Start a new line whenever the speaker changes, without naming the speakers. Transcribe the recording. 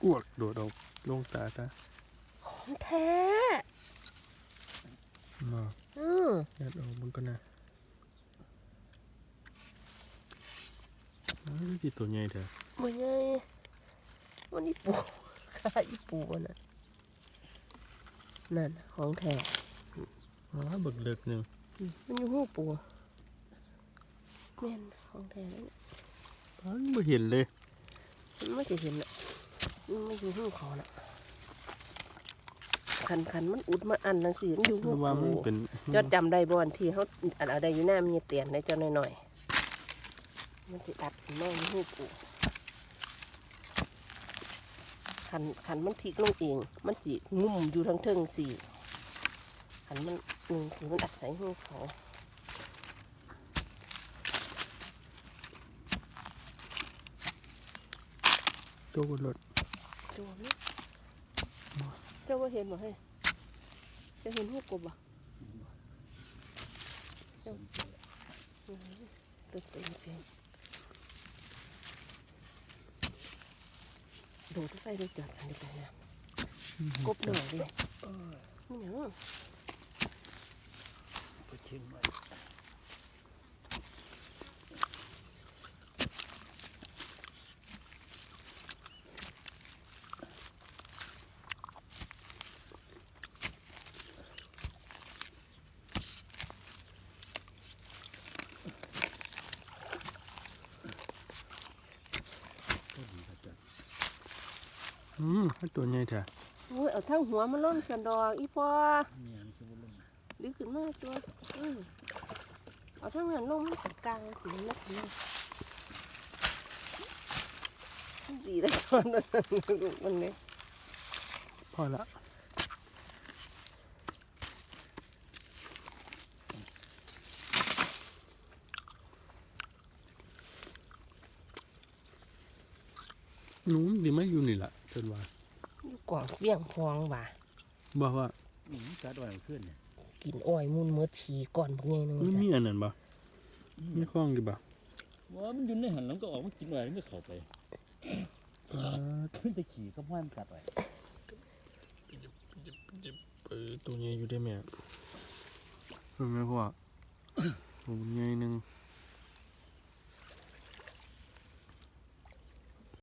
อ้วกโดดออกลงตาตา
ของแท้
มายัดออกมันก็น่ะนี่คือตัวใหญ่เถอะ
มันไงวันนี้ปูข้าอีปูน่ะนั่นของแท้
บึกเล็กหนึ่ง
มันอยู่หูปูแม่นของแท้แล้ว
ไม่เห็นเลย
มันไม่จะเห็นอ่ะมันไม่อยู่หูเขาน่ะคันมันอุดมาอันนั่นสิมันอยู่หูปูจอดจำได้บ่อนที่เขาอันอะไรอยู่หน้ามีเตียนในเจ้าหน่อยๆมันจะอัดแม่งหูปูขันมันพลิกลงเองมันจีงุ่มอยู่ทั้งเทิงสี่ขันมันคือมันอัดใส่หูเขา
โจ้รถ
โจ้เนี่ยเจ้าว่าเห็นบ่ให้จะเห็นหูกบบ่เจ้าตัวเต็มเพียงโดดไปดูจัดอันนี้กันนะกบหน่อยดินี่เหรอ
ก็ชิมไว้
ตัวใหญ่เถอะ
โอ้ยเอาทั้งหัวมันล่นกันดอกอีพอ
เนี่ยมันคือบุญลง
ดึกขึ้นมาตัวเอาทั้งหันลงมันกลางสีนักนี่ดีเลยตอนนั้นมันเนี่ย
พอละหนูดีไม่อยู่นี่แหละจนว่า
อยู่กล่องเบี้ยงพองว่ะ
บอกว่า
กัดอ่อยขึ้นเนี่ย
กินอ้อยมุนเมื่อทีก่อนพวกนี้นึง
ไม่มีอันนั้นบ่ไม่คล้องดีบ่
ว่ามันยืนในหันหลังก็ออกมากินอะไรมันก็เข้าไปขึ้นไปขี่ก็พ่อนกัดไป
ตัวใหญ่อยู่ได้ไหมเห็นไหมพ่อตัวใหญ่หนึ่ง